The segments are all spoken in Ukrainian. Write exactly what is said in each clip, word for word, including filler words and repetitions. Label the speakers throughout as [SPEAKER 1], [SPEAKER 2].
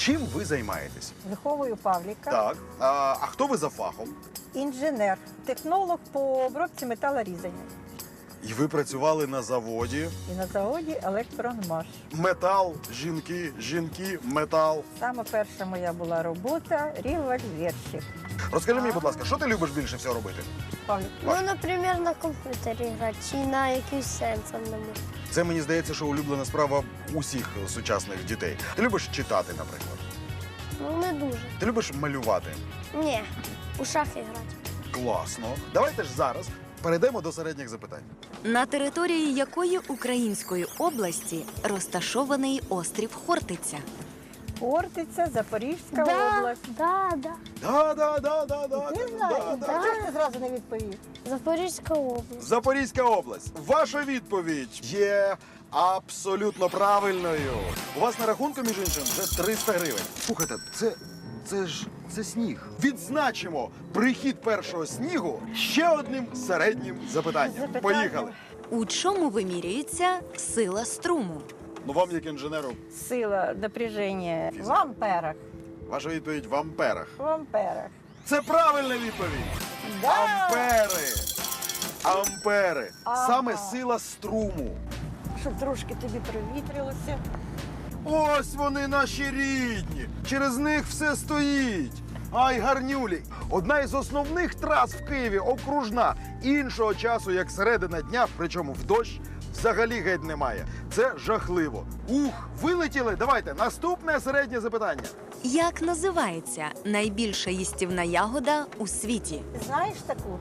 [SPEAKER 1] Чим ви займаєтесь?
[SPEAKER 2] Виховую Павліка.
[SPEAKER 1] Так. А, а хто ви за фахом?
[SPEAKER 2] Інженер, технолог по обробці металорізання.
[SPEAKER 1] І ви працювали на заводі.
[SPEAKER 2] І на заводі Електронмаш.
[SPEAKER 1] Метал, жінки, жінки, метал.
[SPEAKER 2] Саме перша моя була робота револьверщик.
[SPEAKER 1] Розкажи мені, будь ласка, що ти любиш більше всього робити?
[SPEAKER 2] Павлік.
[SPEAKER 3] Ну, наприклад, на комп'ютері грати чи на якийсь сенсорному.
[SPEAKER 1] Це, мені здається, що улюблена справа усіх сучасних дітей. Ти любиш читати, наприклад?
[SPEAKER 3] Ну, не дуже.
[SPEAKER 1] Ти любиш малювати?
[SPEAKER 3] Ні, у шахи грати.
[SPEAKER 1] Класно. Давайте ж зараз перейдемо до середніх запитань.
[SPEAKER 4] На території якої української області розташований острів Хортиця?
[SPEAKER 2] Хортиця, Запорізька
[SPEAKER 3] Да,
[SPEAKER 2] область.
[SPEAKER 3] да, да.
[SPEAKER 1] Да, да, да, да, да.
[SPEAKER 2] Ти
[SPEAKER 1] да,
[SPEAKER 2] знаєш,
[SPEAKER 1] да, да.
[SPEAKER 2] чого ж ти зразу не відповів?
[SPEAKER 3] Запорізька область.
[SPEAKER 1] Запорізька область. Ваша відповідь є абсолютно правильною. У вас на рахунку, між іншим, вже триста гривень. Слухайте, це, це ж це сніг. Відзначимо прихід першого снігу ще одним середнім запитанням.
[SPEAKER 2] Запитання.
[SPEAKER 1] Поїхали.
[SPEAKER 4] У чому вимірюється сила струму?
[SPEAKER 1] Ну вам, як інженеру,
[SPEAKER 2] Сила напряження в амперах.
[SPEAKER 1] ваша відповідь в амперах.
[SPEAKER 2] В амперах.
[SPEAKER 1] Це правильна відповідь.
[SPEAKER 2] Да.
[SPEAKER 1] Ампери. Ампери.
[SPEAKER 2] Ага.
[SPEAKER 1] Саме сила струму.
[SPEAKER 2] Щоб трошки тобі провітрилося.
[SPEAKER 1] Ось вони наші рідні. Через них все стоїть. Ай, гарнюлі. Одна із основних трас в Києві окружна. Іншого часу, як середина дня, причому в дощ, взагалі геть немає. Це жахливо. Ух, вилетіли. Давайте, наступне середнє запитання.
[SPEAKER 4] Як називається найбільша їстівна ягода у світі?
[SPEAKER 2] Знаєш таку?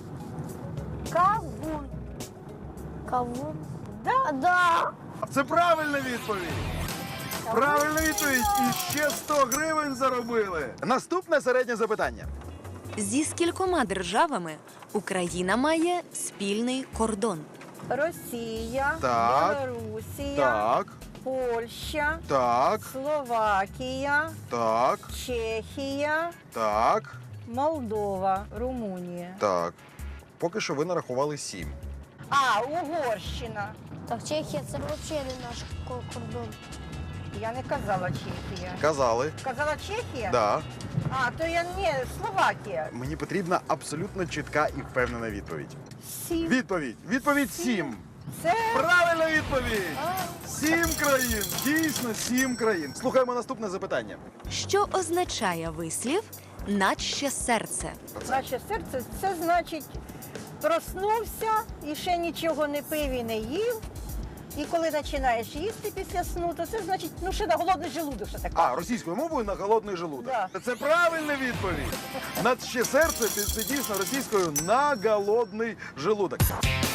[SPEAKER 2] Кавун.
[SPEAKER 3] Кавун.
[SPEAKER 2] Да.
[SPEAKER 3] Да.
[SPEAKER 1] Це правильна відповідь. Правильна відповідь. І ще сто гривень заробили. Наступне середнє запитання.
[SPEAKER 4] Зі скількома державами Україна має спільний кордон?
[SPEAKER 2] Росія,
[SPEAKER 1] Так.
[SPEAKER 2] Білорусія,
[SPEAKER 1] Так,
[SPEAKER 2] Польща,
[SPEAKER 1] так,
[SPEAKER 2] Словакія,
[SPEAKER 1] так,
[SPEAKER 2] Чехія,
[SPEAKER 1] так,
[SPEAKER 2] Молдова, Румунія.
[SPEAKER 1] так. Поки що ви нарахували сім.
[SPEAKER 2] А, Угорщина.
[SPEAKER 3] Так, Чехія це взагалі не наш ко- кордон.
[SPEAKER 2] Я не казала Чехія.
[SPEAKER 1] Казали.
[SPEAKER 2] Казала Чехія?
[SPEAKER 1] Да.
[SPEAKER 2] А, то я не, Словакія.
[SPEAKER 1] Мені потрібна абсолютно чітка і впевнена відповідь.
[SPEAKER 2] Сім.
[SPEAKER 1] Відповідь. Відповідь сім.
[SPEAKER 2] Це
[SPEAKER 1] Правильна відповідь. Сім країн. Дійсно, сім країн. Слухаємо наступне запитання.
[SPEAKER 4] Що означає вислів «наче серце»?
[SPEAKER 2] наше серце. Це значить, проснувся і ще нічого не пив і не їв. І коли починаєш їсти після сну, то це значить, ну ще на голодний желудок ще таке.
[SPEAKER 1] А, російською мовою на голодний желудок.
[SPEAKER 2] Да.
[SPEAKER 1] Це правильна відповідь. Над ще серце це дійсно російською на голодний желудок.